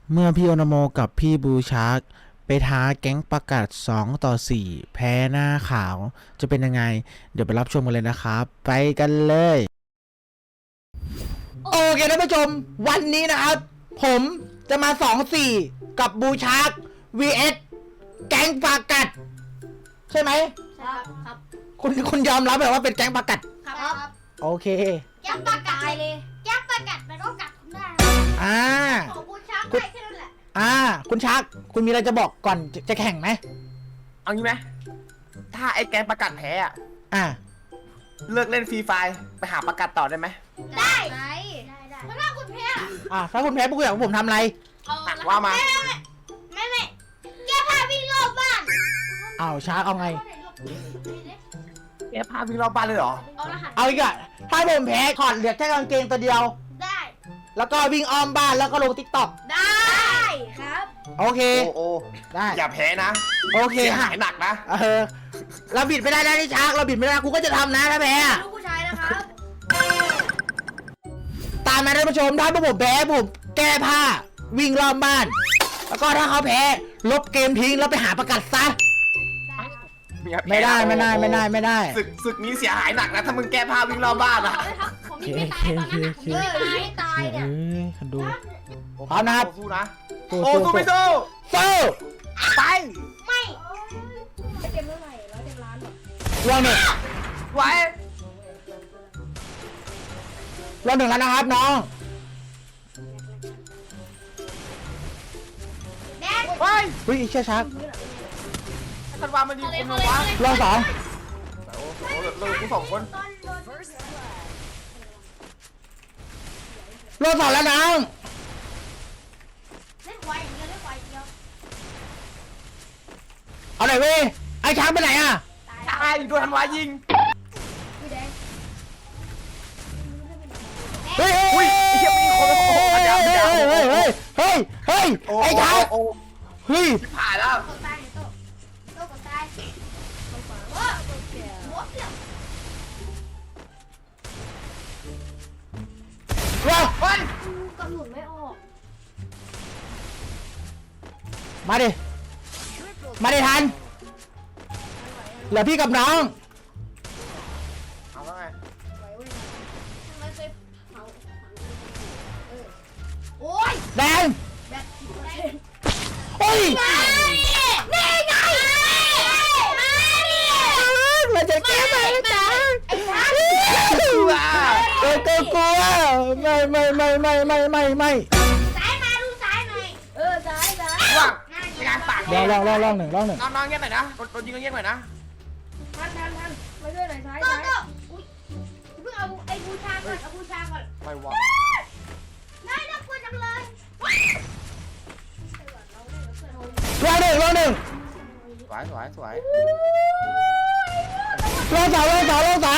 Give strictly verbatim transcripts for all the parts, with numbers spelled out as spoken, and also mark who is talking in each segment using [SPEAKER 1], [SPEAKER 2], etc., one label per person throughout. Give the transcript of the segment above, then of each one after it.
[SPEAKER 1] เมื่อพี่โอนาโมกับพี่บูชาร์กไปท้าแก๊งประกาศสองต่อสี่แพ้หน้าขาวจะเป็นยังไงเดี๋ยวไปรับชมกันเลยนะครับไปกันเลยโอเคท่านผู้ชมวันนี้นะครับผมจะมาสองสี่กับบูชาร์ก วี เอส แก๊งประกาศใช่ไหม
[SPEAKER 2] ครับครับ
[SPEAKER 1] คุณคุณยอมรับแบบว่าเป็นแก๊งประกาศ
[SPEAKER 2] ครับ
[SPEAKER 1] โอเค
[SPEAKER 2] แก๊งปลากัดเลยแก๊งปลากัดมันก็กัดคุณได้
[SPEAKER 1] อ่า
[SPEAKER 2] ของบูชาได้แค่นั้นแหละ
[SPEAKER 1] อ่าคุณชาร์กคุณมีอะไรจะบอกก่อนจะจะแข่งไหม
[SPEAKER 3] เอางี้ไหมถ้าไอ้แกงประกาศแพ้อะ
[SPEAKER 1] อ่า
[SPEAKER 3] เลิกเล่นฟรีไฟไปหาประกาศต่อได้ไหม
[SPEAKER 2] ได้ได้ได้เพราะถ้าคุณแพ้
[SPEAKER 1] อ่าถ้าคุณแพ้พวกคุณอยากให้ผมทำอะไร
[SPEAKER 3] ว่ามา
[SPEAKER 2] ไม่ไม่แก้ผ้าวิ่งรอบบ้าน
[SPEAKER 1] อ้าวชาร์กเอาไง
[SPEAKER 3] แกพาวิ่งรอบบ้านเลยเหรอ
[SPEAKER 2] เอารหัส
[SPEAKER 1] เอาอีกอะถ้าผมแพ้ถอดเหลือแค่กางเกงตัวเดียว
[SPEAKER 2] ได้
[SPEAKER 1] แล้วก็วิ่งอ้อมบ้านแล้วก็ลงติ๊กต็อก
[SPEAKER 2] ได้ครับ
[SPEAKER 1] โอเค
[SPEAKER 3] โอ้โอ้
[SPEAKER 1] ได้
[SPEAKER 3] อย่าแพ้นะ
[SPEAKER 1] โอเค
[SPEAKER 3] เสีย
[SPEAKER 1] ฮะ
[SPEAKER 3] หายหนักนะ
[SPEAKER 1] เออเราบิดไม่ได้นะนี่ชาร์กเราบิดไม่ได้กูก็จะทำนะถ้าแพ้อะ
[SPEAKER 2] ลูกผู้ชายนะครับ
[SPEAKER 1] ตามมาท่านผู้ชมถ้าพวกผมแพ้ผมแก้ผ้าวิ่งรอบบ้าน แล้วก็ถ้าเขาแพ้ลบเกมทิ้งแล้วไปหาประกาศซะไม่ได้ไม่ได้ไม่ได้ไม่ได้
[SPEAKER 3] ศึกศึกนี้เสียหายหนักนะถ้ามึงแก้ผ้าวิ่งรอบบ้านอะ
[SPEAKER 2] ผมมีไม่ตายตอนนั้นผมไม่ตายเนี่ย
[SPEAKER 1] เอ้ยดู พร้อมนะครับ
[SPEAKER 3] สู้นะ
[SPEAKER 1] สู้
[SPEAKER 3] โอ้
[SPEAKER 1] สู้
[SPEAKER 3] สู้ไม่สู้
[SPEAKER 1] สู้
[SPEAKER 3] ไป
[SPEAKER 2] ไม่เต็มเท่าไหร่ร้อยเต็มล้านหรอ
[SPEAKER 1] รอบหนึ่ง
[SPEAKER 3] ไว้
[SPEAKER 1] รอบหนึ่งแล้วนะครับน้อง
[SPEAKER 2] แดง
[SPEAKER 3] ไว้
[SPEAKER 1] เฮ้ยเชื่อชัก
[SPEAKER 3] ธันวามันยิงคนวะ
[SPEAKER 1] รอบสอง
[SPEAKER 3] โอ้โหเรากูสองคน
[SPEAKER 1] รอบสองแล้วน้อง
[SPEAKER 2] เล่นควายอย่างเดียวเล่นควายอย่างเดียว
[SPEAKER 1] เอาหน่อยเว้ยไอ้ช้างไปไหนอ่ะ
[SPEAKER 3] ตายโดนธันวายิง
[SPEAKER 2] พี่แดง
[SPEAKER 1] เฮ้ย
[SPEAKER 3] อุ้ยไอ้เหี้ยมันยิงคนโอ้โห
[SPEAKER 1] เฮ้ย
[SPEAKER 3] ยาว
[SPEAKER 1] เฮ้ย
[SPEAKER 3] ยาว
[SPEAKER 1] เฮ้ยเฮ้ยเฮ้ยเฮ้ย
[SPEAKER 3] โอ้
[SPEAKER 1] ไอ้ช้าง
[SPEAKER 3] โอ้
[SPEAKER 1] เฮ้ย
[SPEAKER 3] ผ่านแล้ว
[SPEAKER 2] กดตายเนี่ยโต้โต้กดตายว้าหัวเสียว
[SPEAKER 1] รอ
[SPEAKER 3] เฮ้ย
[SPEAKER 2] กระสุนไม่ออก
[SPEAKER 1] มาดิมาดิทันเหลือพี่กับน้อง
[SPEAKER 3] เอาแล้วไง
[SPEAKER 2] ไหวเว้ยทำไมเคยเผาเออโอ้ย
[SPEAKER 1] แดง
[SPEAKER 2] แบตสิบเปอร์เซ็นต์
[SPEAKER 1] เฮ้ย
[SPEAKER 2] นี่ไงมาดิ
[SPEAKER 1] เราจะแก้ไหมจ๊ะ
[SPEAKER 2] ไอ้ช้าง
[SPEAKER 3] ว้า
[SPEAKER 1] เออก็กลัวไม่ไม่ไม่ไม่ไม่ไม่ไม่
[SPEAKER 2] ซ้ายมาดูซ้ายหน่อยเออซ้ายซ้าย
[SPEAKER 3] ว่างในงานปาก
[SPEAKER 1] ลองลองลองลองหนึ่งลองหนึ่ง
[SPEAKER 3] น้องๆเงียบหน่อยนะโดนยิงก็เงียบหน่อยนะ
[SPEAKER 2] ทันทันทันมาช่วยหน่อยซ้ายซ้ายอุ้ยเพิ่งเอาไอ้บูชาก่อนเอาบูชาก่อน
[SPEAKER 3] ไม่วะ
[SPEAKER 2] นายน่ากลัวจังเลย
[SPEAKER 1] ลองหนึ่งลองหนึ่ง
[SPEAKER 3] สวยสวยสวย
[SPEAKER 1] ลองสองลองสองลองสอง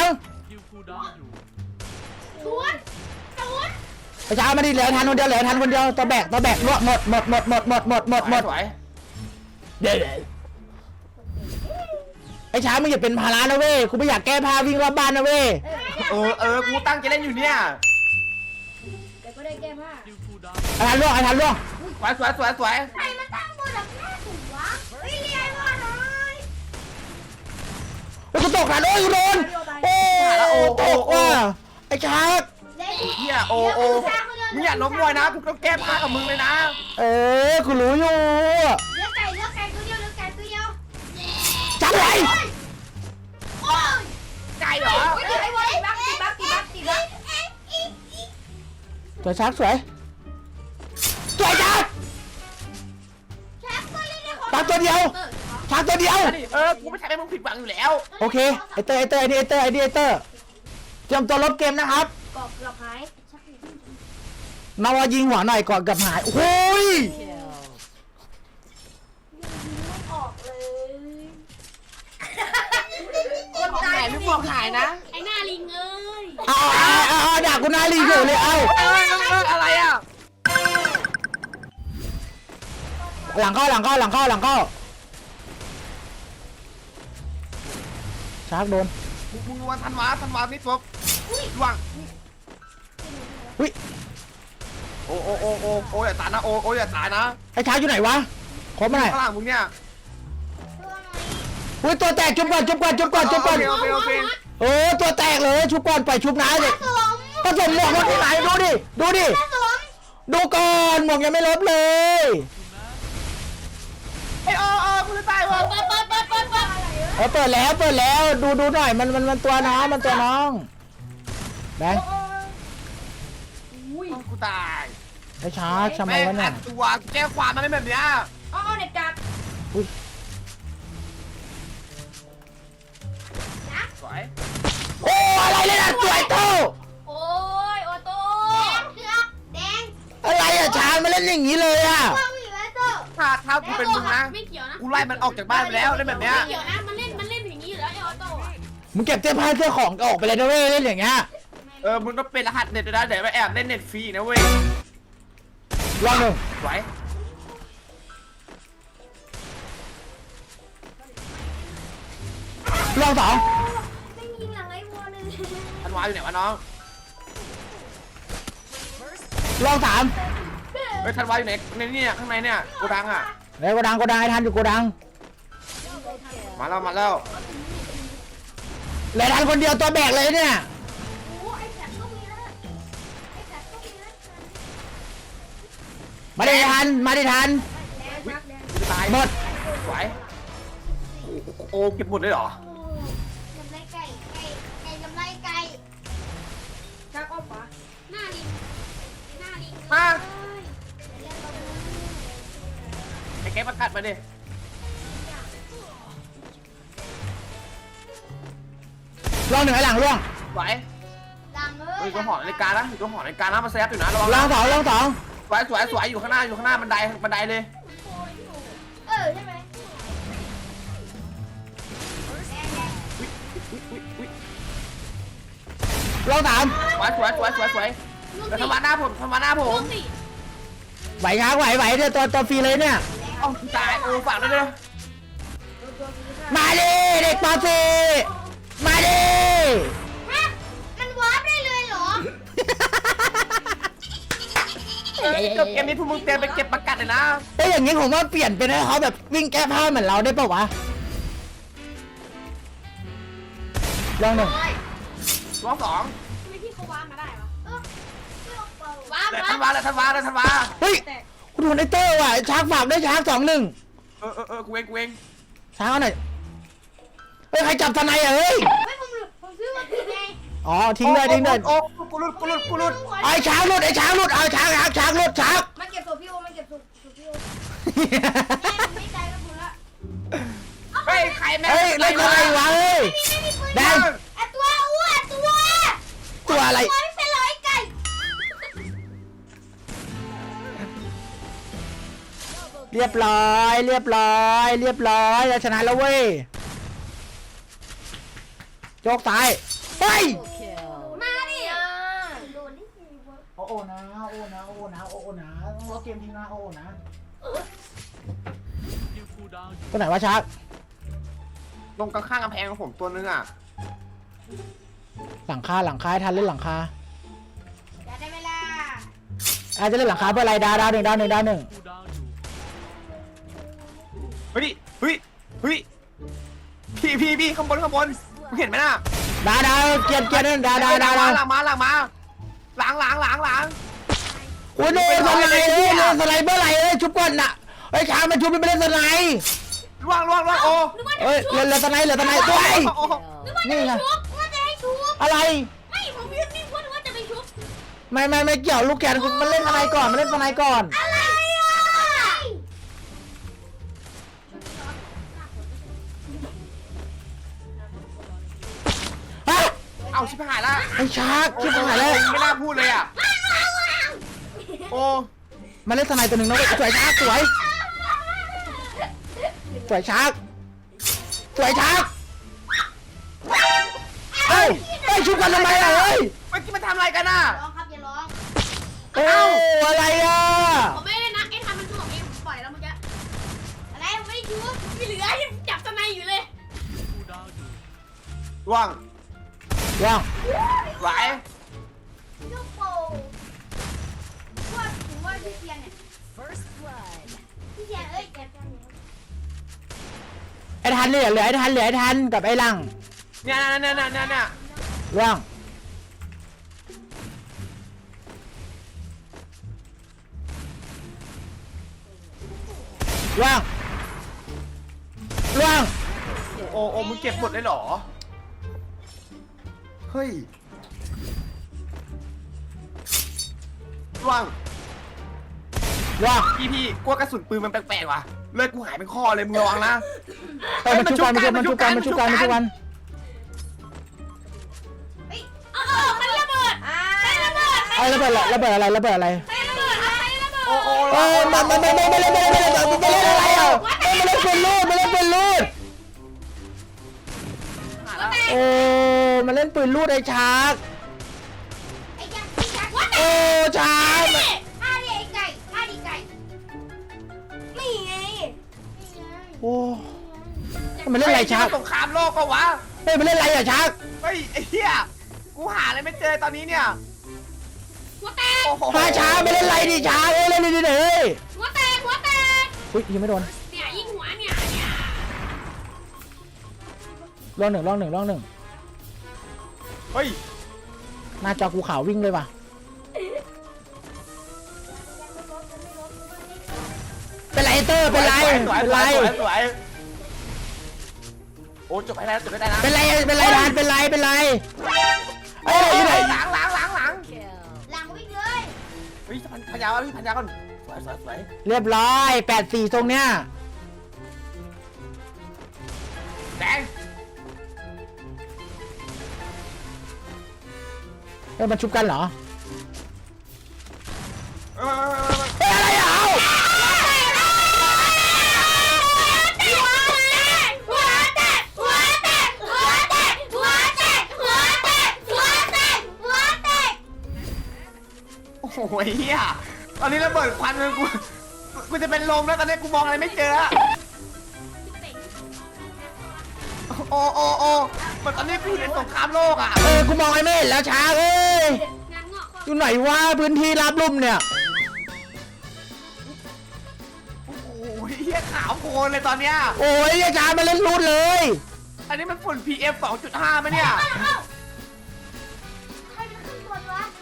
[SPEAKER 2] สวนสวน
[SPEAKER 1] ไอ้ช้างมาดิเหลือทันคนเดียวเหลือทันคนเดียวตัวแบกตัวแบกหมดหมดหมดหมดหมดหมดหมดหมดหมด
[SPEAKER 3] สวย
[SPEAKER 1] เดี๋ยวไอ้ช้างมึงอย่าเป็นภาระนะเว้ยกูไม่อยากแก้ผ้าวิ่งรอบบ้านนะเว้ย
[SPEAKER 3] เออเออกูตั้งใจเล่นอยู่เนี่ย
[SPEAKER 2] แต่ก็ได้แก้ผ้า
[SPEAKER 1] ไอ้ทันล่วงไอ้ทันล่วง
[SPEAKER 3] สวยสวยสวยสวย
[SPEAKER 2] ใครมาตั้งบนหลังหน้าถูกวะเฮ้ยเรียนว่าหน่อย
[SPEAKER 1] ไอ้กูตกทันโอ้ยกูโดนโอ้ตกว่ะไอ้ช้าง
[SPEAKER 2] เด็ก
[SPEAKER 3] เฮียโอโอมึงอย่าล้มมวยนะกูต้องแก้ผ้ากับมึงเลยนะ
[SPEAKER 1] เออกูรู้อยู่
[SPEAKER 2] เลือกไก่เลือกไก่ตัวเดียวเลือกไก่ตัวเดียว
[SPEAKER 1] จับเลย
[SPEAKER 2] โอ้ย
[SPEAKER 3] ไก่เหรอ
[SPEAKER 2] โอ้ยไอ้บอลบักตีบักตีบักตีบัก
[SPEAKER 1] สวยช้างสวยสวยช้าง
[SPEAKER 2] แชมป์ตัวเล็กๆ
[SPEAKER 1] ช้างตัวเดียวช้างตัวเดียว
[SPEAKER 3] เออกูไม่ใช่ให้มึงผิดหวังอยู่แล้ว
[SPEAKER 1] โอเคไอเตอร์ไอเตอร์ไอเดเตอร์ไอเดเตอร์เตรียมตัวลบเกมนะครับ
[SPEAKER 2] กรอบเกือบหาย
[SPEAKER 1] นาวายิงหัวหน่อยก่อนกับหายโอ้ย
[SPEAKER 2] ออกเลย
[SPEAKER 3] คนตายหรือบอกหายนะ
[SPEAKER 2] ไอ้หน้าลิงเอ้ย
[SPEAKER 1] เอาเอาเอาเอาด่ากูหน้ารีบอยู่เลยเอา
[SPEAKER 3] เออเอออะไรอ่ะ
[SPEAKER 1] หลังเข้าหลังเข้าหลังเข้าหลังเข้าชาร์กโดน
[SPEAKER 3] มึงมึงวันธันวาธันวานี่ปุ๊บล่วง
[SPEAKER 1] อุ้ย
[SPEAKER 3] โอ้โอ้โอ้โอ้โอ้อย่าตายนะโอ้โอ้อย่าตายนะ
[SPEAKER 1] ไอ้ช้างอยู่ไหนวะขอมาหน่อย
[SPEAKER 3] ข้างหลังมึงเนี่ย
[SPEAKER 2] ตัวหน่อย
[SPEAKER 1] อุ้ยตัวแตกชุบก่อนชุบก่อนชุบก่อนชุบก่อน
[SPEAKER 3] โอเคโอเค
[SPEAKER 1] โอ้ตัวแตกเลยชุบก่อนปล่อยชุบน้าเลย
[SPEAKER 2] ผสม
[SPEAKER 1] ผสมหมวกรถที่ไหนดูดิดูดิ
[SPEAKER 2] ผสม
[SPEAKER 1] ดูก่อนหมวกยังไม่ลบเลย
[SPEAKER 3] ไอ้โอ้โอ้กูจะตายวะ
[SPEAKER 2] เปิดเปิดเปิดเปิดเปิดอะไร
[SPEAKER 1] เออเปิดแล้วเปิดแล้วดูดูหน่อยมันมันมันตัวน้องมันตัวน้องแบงค์
[SPEAKER 2] อุ้ย
[SPEAKER 3] กูตาย
[SPEAKER 1] ไอ้ช้างทำไมวะเนี่ย
[SPEAKER 3] ตัวแก้ความมันไม่แบบเนี้ย
[SPEAKER 2] อ๋อเด็กจับ
[SPEAKER 3] สวย
[SPEAKER 1] โอ้อะไรเลยนะสวยโต
[SPEAKER 2] โอ้ยโอโต้แดงเสือกแดง
[SPEAKER 1] อะไรอะช้างมาเล่นอย่างนี้เลยอะ
[SPEAKER 2] ว่างอยู่แล้วโต้
[SPEAKER 3] ถ้าถ้ากูเป็นมึงนะ
[SPEAKER 4] ไม่เกี่ยวนะ
[SPEAKER 3] กูไล่มันออกจากบ้านไปแล้วได้แบบเนี้ย
[SPEAKER 4] ไม่เกี่ยวนะ มันเล่น มันเล่นอย่างนี้อยู่แล้วไอออโต้อะ
[SPEAKER 1] มึงเก็บเสื้อผ้าเสื้อของออกไปเลยนะเว้ยเล่นอย่างเงี้ย
[SPEAKER 3] เออมึงต้องเป็นรหัสเน็ตด้วยนะเดี๋ยวไปแอบเล่นเน็ตฟรีนะเว้ย
[SPEAKER 1] ลองหนึ่ง
[SPEAKER 3] สวย
[SPEAKER 1] ลองสอง
[SPEAKER 2] ไม่ยิงหลังไอ้วัวเลย
[SPEAKER 3] ธันวาอยู่ไหนวะน้อง
[SPEAKER 1] ลองสาม
[SPEAKER 3] เฮ้ยธันวาอยู่ไหนในนี่ข้างในเนี่ยกูดังอ่ะ
[SPEAKER 1] ในโกดังโกดังไอ้ทันอยู่โกดัง
[SPEAKER 3] มาแล้วมาแล้ว
[SPEAKER 1] เลยทันคนเดียวตัวแบกเลยเนี่ย
[SPEAKER 2] โอ้ไอ้แสบก็มีแล้วไอ้แสบก็มีแล้ว
[SPEAKER 1] มาได้ทันมาได้ทัน
[SPEAKER 2] แดงมากแดง
[SPEAKER 3] กูจะตาย
[SPEAKER 1] หมด
[SPEAKER 3] สวยโอ้โอ้เก็บหมดเลยเหรอ
[SPEAKER 2] โอ้กำไรไก่ไก่ไก่กำไรไก่ชักออกปะ
[SPEAKER 4] หน้าลิง หน้าลิง
[SPEAKER 3] มา
[SPEAKER 2] เล่นเราดู
[SPEAKER 3] ไอ้แกประกัดมาดิ
[SPEAKER 1] ลองหนึ่งไอ้หลังล่วง
[SPEAKER 3] สวย
[SPEAKER 2] ดังเล
[SPEAKER 3] เฮ้
[SPEAKER 2] ย
[SPEAKER 3] ยตัวหอนาฬิกานะอยู่ตัวหอนาฬิกานะมาแซฟอยู่นะระวัง
[SPEAKER 1] ลองสองลองสอง
[SPEAKER 3] สวยสวยสวยอยู่ข้างหน้าอยู่ข้างหน้าบันไดบันไดเลย
[SPEAKER 2] เออใช่ไหมแดงแดง
[SPEAKER 1] ลองสาม
[SPEAKER 3] สวยสวยสวยสวยสวย
[SPEAKER 4] ลูก
[SPEAKER 3] แล้ว
[SPEAKER 4] สี่
[SPEAKER 3] ทำมาหน้าผมทำมาหน้าผ
[SPEAKER 4] ลู
[SPEAKER 3] ม
[SPEAKER 4] กสี่
[SPEAKER 1] ไหวช้างไหวไหวเนี่ยตัวตัวฟรีเลยเนี่ย
[SPEAKER 3] เอ้าตายโอ้ฝากด้วยเด้อ
[SPEAKER 1] มาดิเด็กปอสีมาดิ
[SPEAKER 2] ฮะมันวาร์ปได้เลยเหรอ
[SPEAKER 3] เออจบเกมนี้พวกมึงเตรียมไปเก็บประกัดเลยนะ
[SPEAKER 1] เอ้ยอย่างงี้ผมว่าเปลี่ยนเป็นให้เขาแบบวิ่งแก้ผ้าเหมือนเราได้ปะวะลองหนึ่ง
[SPEAKER 3] รอบสอง
[SPEAKER 4] ทำไมพี่เขาว้ามาได้วะ
[SPEAKER 2] เออไม่ออกเปล่า
[SPEAKER 4] ว้า
[SPEAKER 3] เลย
[SPEAKER 4] ว้า
[SPEAKER 3] ทันวาเลยทันวาเลยทันวา
[SPEAKER 1] เฮ้ย
[SPEAKER 4] แต่
[SPEAKER 1] คุณดูในเตอร์ว่ะช้างฝากด้วยช้างสองหนึ่ง
[SPEAKER 3] เออเออเออกูเองกูเอง
[SPEAKER 1] ช้างเอาหน่อยเฮ้ยใครจับทนายอ่ะเฮ้ย
[SPEAKER 2] ไม่ผมหลุดผมซื้อมาผิดไง
[SPEAKER 1] อ๋อทิ้งเลยทิ้งเลย
[SPEAKER 3] โอ้กูหลุดกูหลุดกูหลุด
[SPEAKER 1] ไอ้ช้างหลุดไอ้ช้างหลุดเอาช้างช้างช้างหลุดช้าง
[SPEAKER 2] มาเก็บตัวพี่โอมาเก็บตัวตัวพี่โอไม่ใจกับผมละ
[SPEAKER 3] เฮ้ยใครแม่
[SPEAKER 1] เฮ้ยเล่นอะไรวะเฮ้ย
[SPEAKER 2] ไม่มีปืน
[SPEAKER 1] แดง
[SPEAKER 2] ไอ้ตัวอ้วนตัว
[SPEAKER 1] ตัวอะไร
[SPEAKER 2] ตัวไม่เป็นร้อยไก่
[SPEAKER 1] เรียบร้อยเรียบร้อยเรียบร้อยเราชนะแล้วเว้ยโจกซ้ายเฮ้ย
[SPEAKER 4] มาดิ
[SPEAKER 2] โดนนี่สิวะ
[SPEAKER 1] โอ้โอ้นะโอ้นะโอ้นะโอ้นะเราเกมทีนะโอ้นะตัวไหนวะชัก
[SPEAKER 3] ตรงข้างๆกำแพงของผมตัวนึงอ่ะ
[SPEAKER 1] หลังคาหลังคาให้ทันเล่นหลังคา
[SPEAKER 2] อย่าได้เวลา
[SPEAKER 1] อาจจะเล่นหลังคาเพื่ออะไรดาวดาวหนึ่งดาวหนึ่งดาวหนึ่ง
[SPEAKER 3] เฮ้ยเฮ้ยเฮ้ยพี่พี่พี่ข้างบนข้างบนมึงเห็นไหมน่ะ
[SPEAKER 1] ดาวดาวเกียร์เกียร์นั่นดาวดาวดาว
[SPEAKER 3] ห
[SPEAKER 1] ดา
[SPEAKER 3] ลั
[SPEAKER 1] ว
[SPEAKER 3] งมาหลังมาหลังหลังหลังหลัง
[SPEAKER 1] โอ้ยโดนสไลด์เลยโดนสไลด์เมื่อไหร่เอ้ยชุบก่อนน่ะไอ้ช้างมันชุบมันไม่เล่นสไลด์
[SPEAKER 3] ล่วงล่วงล่วงโอ้
[SPEAKER 1] เอ้ยเหลือเหลือสไลด์เหลือสไลด์ตัวไอ้
[SPEAKER 3] โอ้
[SPEAKER 1] นี่ไง
[SPEAKER 4] ชุบว่าจะให้ชุบ
[SPEAKER 1] อะไร
[SPEAKER 4] ไม่ผมยืนนิ่งว่าว่าจะไปชุบ
[SPEAKER 1] ไม่ไม่ไม่เกี่ยวลูกแกนมันเล่นสไลด์ก่อนมันเล่นสไลด์ก่อน
[SPEAKER 2] อะไรอ่ะ
[SPEAKER 1] ฮะ
[SPEAKER 3] เอาชิบหายละ
[SPEAKER 1] ไอ้ชาร์กชิบหายแล้ว
[SPEAKER 3] ไม่น่าพูดเลยอ่ะโอ้
[SPEAKER 1] มันเล่นสไลด์ตัวหนึ่งนะเว้ยสวยชาร์กสวยสวยชาร์กสวยชาร์กเฮ้ยเฮ้ยชุบกันทำไมล่ะเฮ้ย
[SPEAKER 3] เมื่อกี้มันทำอะไรกันน่ะ
[SPEAKER 2] ร้องครับอย่าร้อง
[SPEAKER 1] โอ้อะไรอ่ะ
[SPEAKER 4] ผมไม่ได้นะไอ้ทำมันคือผมเองผมปล่อยแล้วเมื่อกี้
[SPEAKER 2] อะไรผมไม่ได้ชุบ
[SPEAKER 4] ที่เหลือยังจับสไนอยู่เลย
[SPEAKER 3] ล่วง
[SPEAKER 1] ว่าง
[SPEAKER 3] ไหว
[SPEAKER 2] ลูกโป่งพวกพี่เสียเอ้ยแกแก
[SPEAKER 1] ไอ้ทันเหลือเหลือไอ้ทันเหลือไอ้ทันกับไอ้หลัง
[SPEAKER 3] เนี่ยเนี่ยเนี่ยเนี่ยเนี่ย
[SPEAKER 1] ร่วงร่วงร่วง
[SPEAKER 3] โอ้โอ้มึงเก็บหมดเลยเหรอเฮ้ยว่าง
[SPEAKER 1] ร่วง
[SPEAKER 3] พี่พี่กลัวกระสุนปืนมันแปลกๆว่ะเลือดกูหายเป็นข้อเลยมึงระวังนะ
[SPEAKER 1] เออมันชุบกันมันชุบกันมันชุบกันมันชุบกัน
[SPEAKER 2] เฮ้ย
[SPEAKER 4] เออเออมันระเบิด
[SPEAKER 2] อ่า
[SPEAKER 4] ใช้ระเบิด
[SPEAKER 1] ไอ้ระเบิดระเบิดอะไรระเบิดอะไร
[SPEAKER 4] ใช้ระเบิดใช้ระเบิด
[SPEAKER 3] โอ้โอ้
[SPEAKER 1] เออมันมันมันมันมันมันมันมันมันเล่นอะไรอ่ะมันเล่นเป็นลูดมันเล่นเป็นลูดโอ้มันเล่นปืนลูดไอ้ชาร์ก
[SPEAKER 2] ไอ้ยักษ์ไอ้ยักษ์
[SPEAKER 1] โอ้ชาร์ก
[SPEAKER 2] ท่าดิไอ้ไก่ท่าดิไก่
[SPEAKER 4] นี่ไง
[SPEAKER 1] โอ้มันเล่นอะไรชาร์ก
[SPEAKER 3] สงครามโลกก็วะ
[SPEAKER 1] เฮ้ยมันเล่นอะไรอ่ะชาร์ก
[SPEAKER 3] เฮ้ยไอ้เหี้ยกูหาอะไรไม่เจอตอนนี้เนี่ย
[SPEAKER 4] หัวแตก
[SPEAKER 3] โอ้โห
[SPEAKER 1] พาชาร์กไม่เล่นอะไรดิชาร์กเอ้ยเล่นดิเฮ้ย
[SPEAKER 4] หัวแตกหัวแตก
[SPEAKER 1] อุ้ยยังไม่โดน
[SPEAKER 4] เนี่ยยิงหัวเนี่ยเนี่ย
[SPEAKER 1] ล่องหนึ่งล่องหนึ่งล่องหนึ่ง
[SPEAKER 3] เฮ้ย
[SPEAKER 1] หน้าจอกูขาววิ่งเลยว่ะเป็นไรเตอร์เป็นไร
[SPEAKER 3] สวยสวย
[SPEAKER 1] เป็นไร
[SPEAKER 3] สวยสวยโอ้จบไปแล้วจบไปได้นะ
[SPEAKER 1] เป็นไรเป็นไรทานเป็นไรเป็นไรไอ้ไหนอยู่ไหน
[SPEAKER 3] หลังหลังหลังหลัง
[SPEAKER 2] หลังวิ่งเลย
[SPEAKER 3] เฮ้ยพันพันยาวพี่พันยาวก่อนสวยสวยสวย
[SPEAKER 1] เรียบร้อยแปดสี่ตรงเนี้ย
[SPEAKER 3] แดง
[SPEAKER 1] เฮ้ยมันชุบกันเหรอ
[SPEAKER 3] เออ
[SPEAKER 1] เฮ้ยอะไรอ่ะเอา
[SPEAKER 4] หัวแตกหัวแตกหัวแตกหัวแตกหัวแตกหัวแตกหัวแตก
[SPEAKER 3] โอ้โหเฮียตอนนี้ระเบิดควันเลยกูกูจะเป็นลมแล้วตอนนี้กูมองอะไรไม่เจอโอ้โอ้โอ้เหมือนตอนนี้กูอยู่ในสงครามโลกอ่ะ
[SPEAKER 1] เออกูมองไอ้ไม่เห็นแล้วช้าเอ้ย
[SPEAKER 4] งานงอก
[SPEAKER 1] อยู่ไหนวะพื้นที่ราบลุ่มเนี่ย
[SPEAKER 3] โอ้โหเฮียขาวโพลนเลยตอนเนี้ย
[SPEAKER 1] โอ้ยไอ้ช้ามาเล่นรูดเลย
[SPEAKER 3] อันนี้มันฝุ่น พี เอ็ม สองจุดห้าไหมเนี่ย
[SPEAKER 2] ใครเป็นขึ้นบนวะ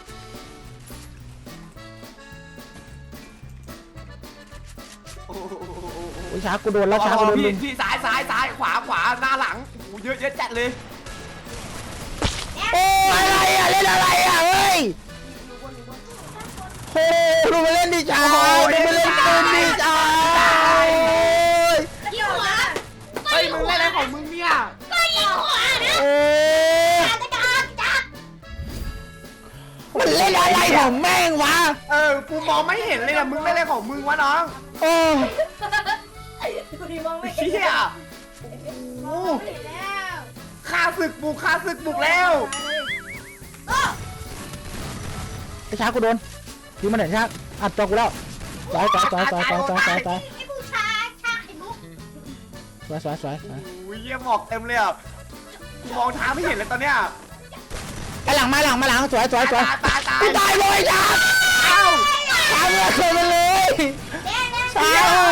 [SPEAKER 3] โอ้โห
[SPEAKER 1] โอ้ยช้ากูโดนแล้วช้ากูโดน
[SPEAKER 3] พี่
[SPEAKER 1] ลุม
[SPEAKER 3] พี่ซ้ายซ้ายซ้ายขวาขวาหน้าหลังโอ้โหเยอะเยอะจัดเลย
[SPEAKER 1] โอ้ยอะไรอ่ะเล่นอะไรอ่ะเฮ้ยโอ้ดูมาเล่นดิช้าดูมาเล่นปืนดิช้า
[SPEAKER 4] ยิงหัว
[SPEAKER 3] เฮ้ยมึงเล่นอะไรของมึงเนี่ย
[SPEAKER 4] ก็ยิงหัวนะ
[SPEAKER 1] โอ้ย
[SPEAKER 2] จักจักจัก
[SPEAKER 1] มันเล่นอะไรของแม่งวะ
[SPEAKER 3] เออกูมองไม่เห็นเลยอะมึงเล่นอะไรของมึงวะน้อง
[SPEAKER 1] โอ้
[SPEAKER 2] ดูดิมองไม่
[SPEAKER 3] เฮียโอ้โห
[SPEAKER 2] เห็นแล้ว
[SPEAKER 3] ข้าศึกบุกข้าศึกบุกแล้ว
[SPEAKER 2] โอ้
[SPEAKER 1] ไอ้ช้ากูโดนยิงมาหน่อยช้าอัดตัวกูแล้วสวยสวยสวยสวยสวยสวยสวยสวย
[SPEAKER 2] ไอ้ผู้ชายชาไข่มุก
[SPEAKER 1] สวยสวยสวยสวย
[SPEAKER 3] โอ้ยเยี่ยหมอกเต็มเลยอ่ะกูมองทางไม่เห็นเลยตอนเนี้ย
[SPEAKER 1] ไอ้หลังมาหลังมาหลังสวยสวยสวย
[SPEAKER 3] ตายตาย
[SPEAKER 1] กูตายเลยจ้า
[SPEAKER 3] เอ้า
[SPEAKER 1] ตายเลยเคยมาเลย
[SPEAKER 2] แดงแดง
[SPEAKER 1] ตายเลย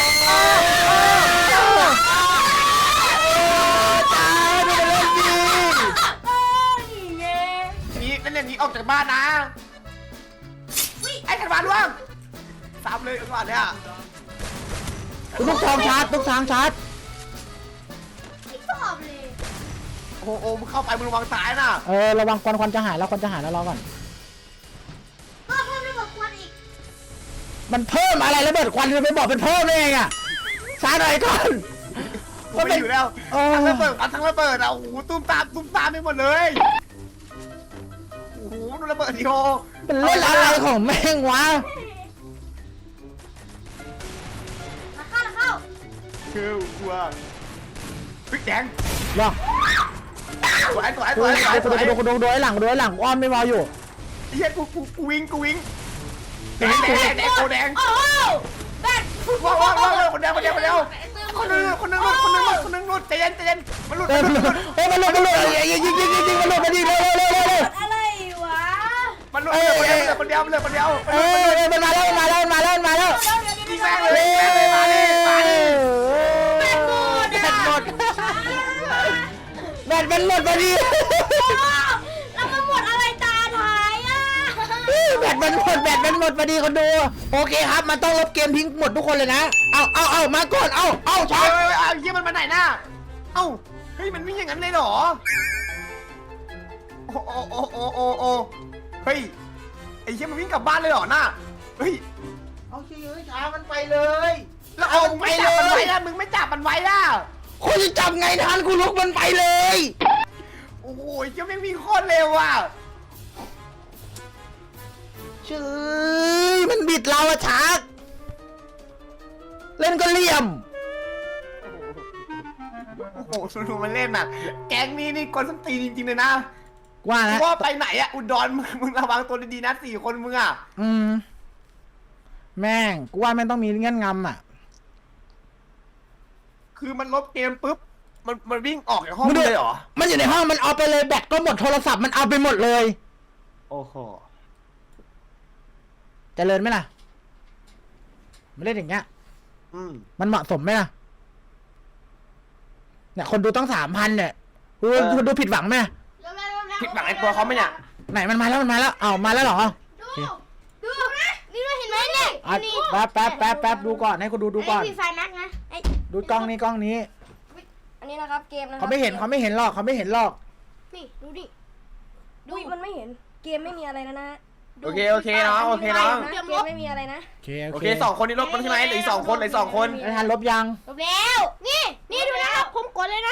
[SPEAKER 1] ตายดูมาเล่นดิ
[SPEAKER 2] โอ้นี่ไง
[SPEAKER 3] นี่นั่นอย่างนี้ออกจากบ้านนะไอ้ขันวานว่างซ้ำเลยก่อนเนี่ย
[SPEAKER 1] ลูกทองชาร์จลูกทางชาร์จ
[SPEAKER 2] ไม่ชอบเลย
[SPEAKER 3] โอ้โหมึงเข้าไปมึงระวังตายนะ
[SPEAKER 1] เออระวังควันควันจะหายแล้วควันจะหายแล้วรอก่อน
[SPEAKER 2] ก็เพิ่มระบบควันอีก
[SPEAKER 1] มันเพิ่มอะไรระเบิดควันจะไปบอกเป็นเพิ่มได้ไงอ่ะช้าหน่อยก่อน
[SPEAKER 3] กูไม่อยู่แล้ว
[SPEAKER 1] เออ
[SPEAKER 3] ทั้งระเบิดทั้งระเบิดอ่ะโอ้โหตุ้มตามตุ้มตามไปหมดเลยโอ้โหดูระเบิดดิโอ
[SPEAKER 1] มันเล่นอะไรของแม่งวะ
[SPEAKER 2] มาเข้ามาเข้า
[SPEAKER 3] คือกลัวพริกแดง
[SPEAKER 1] รอ
[SPEAKER 3] สวยสวยส
[SPEAKER 1] ดู
[SPEAKER 3] วยสวยส
[SPEAKER 1] ดู
[SPEAKER 3] วย
[SPEAKER 1] ดูดูดูดูไอ้หลังดูไอ้หลังอ้อมไม่มออยู่
[SPEAKER 3] เฮียกูกูกูวิ่งกูวิ่งแดงแดงแดงโอแดง
[SPEAKER 4] โอ้โหแบต
[SPEAKER 3] ว้าวว้าวว้าวคนเดียวคนเดียวคนเดียวคนนึงคนนึงคนนึงคนนึงหลุดใจเย็นใจเย็นมันหลุด
[SPEAKER 1] เอ้ย
[SPEAKER 3] มัน
[SPEAKER 1] มัน
[SPEAKER 3] ห
[SPEAKER 1] ห
[SPEAKER 3] ลุ
[SPEAKER 1] ลุ
[SPEAKER 3] ด
[SPEAKER 1] ดเอ้ยมันหลุดมันหลุดยิงยิงยิงยิงยิงมันหลุดมาดิเร็วเร็วเร็วเร็วเร็ว
[SPEAKER 2] อะไรวะ
[SPEAKER 3] มันหลุดเหลือคนเดียวเหลือคนเดียวเหลือคนเดียว
[SPEAKER 1] เอ้ยมันมาแล้วมันมาแล้วมันมาแล้วมันมาแล้ว
[SPEAKER 3] ยิงแม่งเลยแม่งเลยมาดิมาดิ
[SPEAKER 1] แบตหมดแบตหมดแบตมันหมดพอดี
[SPEAKER 4] แล้วมันหมดอะไรตาท้ายอ่ะ
[SPEAKER 1] แบตมันหมดแบตมันหมดพอดีคนดูโอเคครับมันต้องลบเกมทิ้งหมดทุกคนเลยนะเอาเอาเอามาก่อนเอาเอาช็อ
[SPEAKER 3] เฮ้
[SPEAKER 1] ต
[SPEAKER 3] ยเอาเยี่ยมันมาไหนน่ะเอ้าเฮ้ยมันวิ่งอย่างนั้นเลยเหรอโอ้โอ้โอ้โอ้โอ้โอ้เฮ้ยไอ้เยี่ยมันวิ่งกลับบ้านเลยเหรอน่ะเฮ้ย
[SPEAKER 1] เอาเฉยช้ามันไปเลย
[SPEAKER 3] แล้วเอามึงไม่จับมันไว้ล่ะมึงไม่จับมันไว้ล่ะ
[SPEAKER 1] คุณจะจับไงทันกูลุกมันไปเลย
[SPEAKER 3] โอ้โหเยี่ยแม่งวิ่งโคตรเร็วอ่ะ
[SPEAKER 1] เฉยมันบิดเราอะชักเล่นก็เหลี่ยม
[SPEAKER 3] โอ้โหดูมันเล่นน่ะแก๊งนี้นี่กวนส้นตีนจริงๆเลยนะ
[SPEAKER 1] ว่าแล้ว
[SPEAKER 3] ว่าไปไหนอะอุดรมึงมึงระวังตัวดีๆนะสี่คนมึงอะ
[SPEAKER 1] อืมแม่งกูว่าแม่งต้องมีเงื่อนงำอ่ะ
[SPEAKER 3] คือมันลบเกมปุ๊บมันมันวิ่งออกจากห้องเลยเหรอ
[SPEAKER 1] มันอยู่ในห้องมันเอาไปเลยแบตก็หมดโทรศัพท์มันเอาไปหมดเลย
[SPEAKER 3] โอ้โห
[SPEAKER 1] เจริญไหมล่ะมันเล่นอย่างเงี้ย
[SPEAKER 3] อืม
[SPEAKER 1] มันเหมาะสมไหมล่ะเนี่ยคนดูต้องสามพันเนี่ยดู
[SPEAKER 3] เออ
[SPEAKER 1] คุณดูผิดหวังไหม
[SPEAKER 3] ผิดหวังไอ้ตัวเขาไหมเนี่ย
[SPEAKER 1] ไหนมันมาแล้วมันมาแล้วเอามาแล้วเหรอ
[SPEAKER 4] ดูดูนะนี่เราเห็นไหมเนี่ย
[SPEAKER 1] อ่ะแป๊บแป๊บแป๊บแป๊บดูก่อนให้กูดูดูก่อน
[SPEAKER 4] ไอ้พี่ไฟนักนะไอ้
[SPEAKER 1] ดูกล้องนี้กล้องนี้
[SPEAKER 4] อันนี้นะครับเกมนะครั
[SPEAKER 1] เขาไม่เห็นเขาไม่เห็นหรอกเขาไม่เห็นหรอก
[SPEAKER 4] นี่ดูดิดูมันไม่เห็นเกมไม่มีอะไรนะนะ
[SPEAKER 3] โอเคโอเคเนาะโอเคเนาะ
[SPEAKER 4] เกมไม่มีอะไรนะ
[SPEAKER 1] โอเค
[SPEAKER 3] โอเคสองคนนี้ลบมันใช่ไหมเหลืออีกสองคนเหลืออีกสองคน
[SPEAKER 1] ไอ้ทันลบยัง
[SPEAKER 4] จบแล้วนี่นี่ดูนะครับผมกดเลยนะ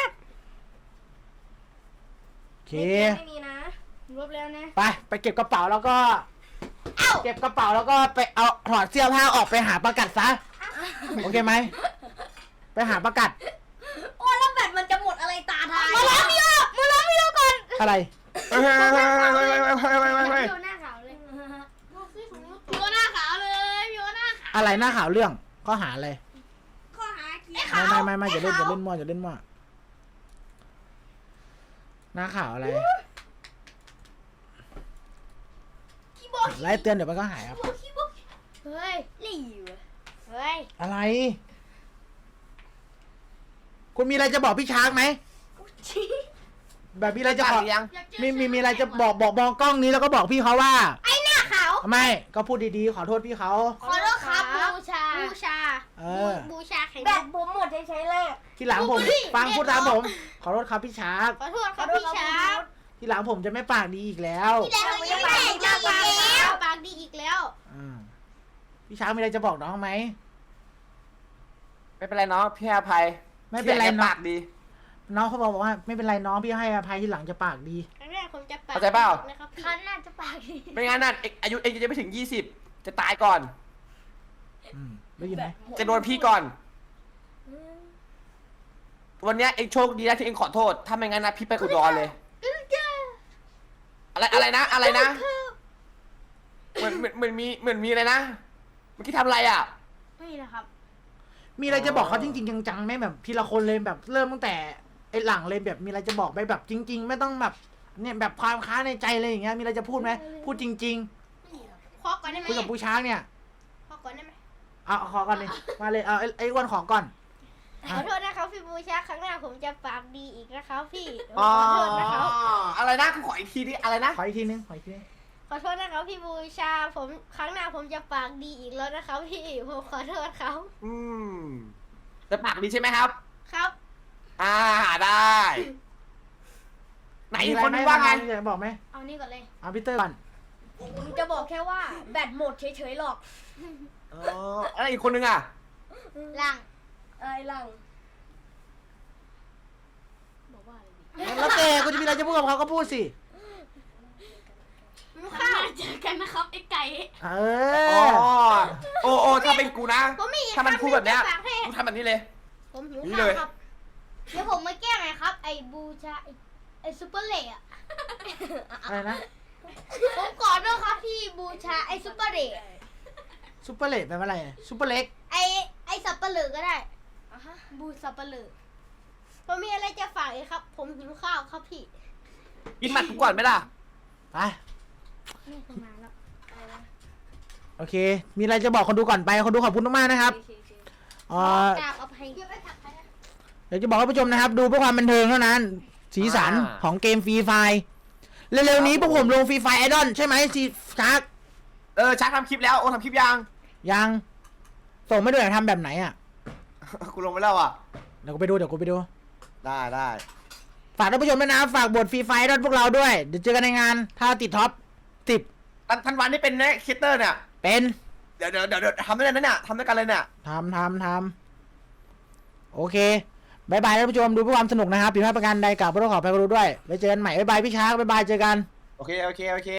[SPEAKER 1] โอเค
[SPEAKER 4] ไม่มีนะลบแล้วนะ
[SPEAKER 1] ไปไปเก็บกระเป๋าแล้วก็
[SPEAKER 4] เอ้า
[SPEAKER 1] เก็บกระเป๋าแล้วก็ไปเอาถอดเสื้อผ้าออกไปหาประกัดซะโอเคไหมไปหาประกัด
[SPEAKER 4] โอ้แล้วแบตมันจะหมดอะไรตาทายมาล้อมพี่โอมาล้อมพี่โอก่อน
[SPEAKER 1] อะไร
[SPEAKER 3] เฮ้ยเฮ้ยเฮ้ยเฮ้ยเฮ้ยเฮ้ยเฮ้ยเฮ้ยเฮ้ย
[SPEAKER 4] พี่โอหน้าขาวเลยพี่โอหน้าขาวเลยพี่โอหน้าขาว
[SPEAKER 1] อะไรหน้าข่าวเรื่องข้อหาอะไร
[SPEAKER 4] ข้อหาเกีย
[SPEAKER 1] ไม่ไม่ไม่ไม่อย่าเล่นอย่าเล่นมั่วอย่าเล่นมั่วหน้าข่าวอะไรไล่เตือนเดี๋ยวมันก็หายครับ
[SPEAKER 4] เฮ้ยหลิวเฮ้ย
[SPEAKER 1] อะไร คุณมีอะไรจะบอกพี่ช้างไหมแบบมีอะไรจะ
[SPEAKER 3] จะ
[SPEAKER 1] บอก
[SPEAKER 3] ยัง
[SPEAKER 1] มีมีมีอะไรจะบอกบอกมองกล้องนี้แล้วก็บอกพี่เขาว่า
[SPEAKER 4] ไอ้หน้าขาว
[SPEAKER 1] ไม่ก็พูดดีๆขอโทษพี่เขา
[SPEAKER 4] ขอโทษครับบูชาบูชา
[SPEAKER 1] เออ
[SPEAKER 4] บูชาแข็งแบบผมหมดใช้เลย
[SPEAKER 1] ทีหลังผม
[SPEAKER 4] อุ๊ย
[SPEAKER 1] ฟัง
[SPEAKER 4] เรียก
[SPEAKER 1] พูดตาม
[SPEAKER 4] น้
[SPEAKER 1] ผ
[SPEAKER 4] อง
[SPEAKER 1] ม ขอโทษครับพี่ช้าง
[SPEAKER 4] ขอโทษครับพี่ชา
[SPEAKER 1] ทีหลังผมจะไม่ปากดีอีกแล้ว
[SPEAKER 4] พี่แดงยังไม่ดีอีกแล้วปากดีอีกแล้ว
[SPEAKER 1] อ่าพี่ช้างมีอะไรจะบอกน้องไหม
[SPEAKER 3] ไม่เป็นไรเนาะพี่อภัย
[SPEAKER 1] ไม่เป็นไร
[SPEAKER 3] พี่แก
[SPEAKER 1] เนาะ
[SPEAKER 3] ปากดี
[SPEAKER 1] น้องเขาบอกว่าไม่เป็นไรน้องพี่ให้อภัยทีหลังจะปากดี
[SPEAKER 4] ครั้งแรกผมจะปาก
[SPEAKER 3] เข้าใจเปล่า
[SPEAKER 4] นะครับพี่ครั้งหน้าจะปากดี
[SPEAKER 3] ไม่งั้นน่ะเอกอายุเองจะไม่ถึงยี่สิบจะตายก่อน
[SPEAKER 1] อืมได้ยินไหม
[SPEAKER 3] จะโดนพี่ก่อน วันเนี้ยเองโชคดีนะที่เองขอโทษ ถ้าไม่งั้นนะพี่ไปอุดรเลย อะไรอะไรนะ อะไรนะ เหมือนเหมือนเหมือนมีเหมือนมีอะไรนะ เมื่อกี้ทำอะไรอ่ะ
[SPEAKER 4] นี่นะครับ
[SPEAKER 1] มีอะไรจะบอกเขาจริงๆจังๆไหมแบบทีละคนเลยแบบเริ่มตั้งแต่ไอ้หลังเลยแบบมีอะไรจะบอกไปแบบจริง ๆ ไม่ต้องแบบเนี่ยแบบความค้างในใจเลยอย่างเงี้ยมีอะไรจะพูดไหมพูดจริง
[SPEAKER 4] ขอก่อนได้ไหม
[SPEAKER 1] ๆคุยกับปูช้างเนี่ย
[SPEAKER 4] ขอก่อนได้ไหม
[SPEAKER 1] เอาเอาขอก่อนเลยมาเลยเอาไอ้ไอ้อ้วนขอก่อน
[SPEAKER 4] ขอโทษนะครับพี่บูชาครั้งหน้าผมจะปากดีอีกนะครับพี่ข
[SPEAKER 3] อ๋อ
[SPEAKER 4] อโทษนะครับ
[SPEAKER 3] อะไรนะกูขออีกทีดิอะไรนะ
[SPEAKER 1] ขออีกทีนึงขออีกทีนึง
[SPEAKER 4] ขอโทษนะครับพี่บูชาผมครั้งหน้าผมจะปากดีอีกแล้วนะครับพี่ผมขอโทษครับ
[SPEAKER 3] อืมจะปากดีใช่ไหมครับ
[SPEAKER 4] ครับ
[SPEAKER 3] อ่าได้ ไหน
[SPEAKER 1] มีอะไร
[SPEAKER 3] คน
[SPEAKER 1] ไหม
[SPEAKER 3] นี้ว่าไง
[SPEAKER 1] มีอะไรบอกไหม
[SPEAKER 4] เอานี่ก่อนเลย
[SPEAKER 1] เอาพีเตอร์ก่อน
[SPEAKER 4] ผมจะบอกแค่ว่าแบตหมดเฉยๆหรอก
[SPEAKER 3] อ๋ออะไรอีกคนนึงอ่ะ
[SPEAKER 4] หลังไอ้หลังบอกว่าอะไรดี
[SPEAKER 1] แล้วแต่กูจะมีอะไรจะพูดกับเขาก็พูดสิ
[SPEAKER 4] ลูกค้าเจอกันนะครับไอ้ไก่
[SPEAKER 1] เอ
[SPEAKER 3] อ๋อ
[SPEAKER 1] อ
[SPEAKER 3] โอ้โอ้ถ้าเป็นกูนะ
[SPEAKER 4] ผมมีอีก
[SPEAKER 3] ถ้ามันพูดแบบเนี้ย
[SPEAKER 4] คำหงจะฝากให้
[SPEAKER 3] กูทำแบบนี้เลย
[SPEAKER 4] ผมหิว
[SPEAKER 3] นี่
[SPEAKER 4] ข้า
[SPEAKER 3] เล
[SPEAKER 4] วย ครับ เดี๋ยวผมมาแก้ไงครับ ไอ้บูชาไอ้ไอ้ซูเปอร์เล่อะ
[SPEAKER 1] อะไรนะ
[SPEAKER 4] ผมขอโทษครับพี่บูชาไอ้ซูเปอร์เล่
[SPEAKER 1] ซุปเปอร์เลดแปลว่าอะไรซุปเปอร์เล็ก
[SPEAKER 4] ไอ้ไอ้สับปะเหลือก็ได้บูสับปะเหลือผมมีอะไรจะฝากอีกครับ ผมหิวข้าวครับพี่
[SPEAKER 3] กินหมัดกูก่อนไหมล่ะ
[SPEAKER 1] ไป
[SPEAKER 4] นี่ประมาณแล้ว
[SPEAKER 1] โอเค มีอะไรจะบอกคนดูก่อนไปคนดูขอบคุณมากๆนะครับ
[SPEAKER 4] โอเคโอเค
[SPEAKER 1] เอ่อก
[SPEAKER 4] ราบอภัย
[SPEAKER 1] เดี๋ยวจะบอกให้ผู้ชมนะครับ ดูเพื่อความบันเทิงเท่านั้น สีสันของเกมฟรีไฟเร็วๆนี้พวกผมลงฟรีไฟไอดอลใช่ไหมซีชาร์ก
[SPEAKER 3] เออชักทำคลิปแล้วโอ้ทำคลิปยัง
[SPEAKER 1] ยังส่งไม่ด้วยทำแบบไหนอ่ะ
[SPEAKER 3] กูลงไปแล้วอ่ะ
[SPEAKER 1] เดี๋ยวกูไปดูเดี๋ยวกูไปดู
[SPEAKER 3] ได้ได้
[SPEAKER 1] ฝากท่านผู้ชมด้วยนะฝากบทฟรีไฟไอดอลพวกเราด้วยเดี๋ยวเจอกันในงานถ้าติดท็อปสิบ
[SPEAKER 3] ทันทันวันนี่เป็นแน่คิตเตอร์เนี่ย
[SPEAKER 1] เป็น
[SPEAKER 3] เดี๋ยวเดี๋ยวเดี๋ยวเดี๋ยวทำด้วยกันนะเนี่ยทำด้วยกันเลยเนี่ย
[SPEAKER 1] ทำทำทำโอเคบายบายท่านผู้ชมดูเพื่อความสนุกนะครับผิดพลาดประการใดกล่าวขอโทษขออภัยก็รู้ด้วยไว้เจอกันใหม่บายบายพี่ช้างบายบายเจอกัน
[SPEAKER 3] โอเคโอเคโอเค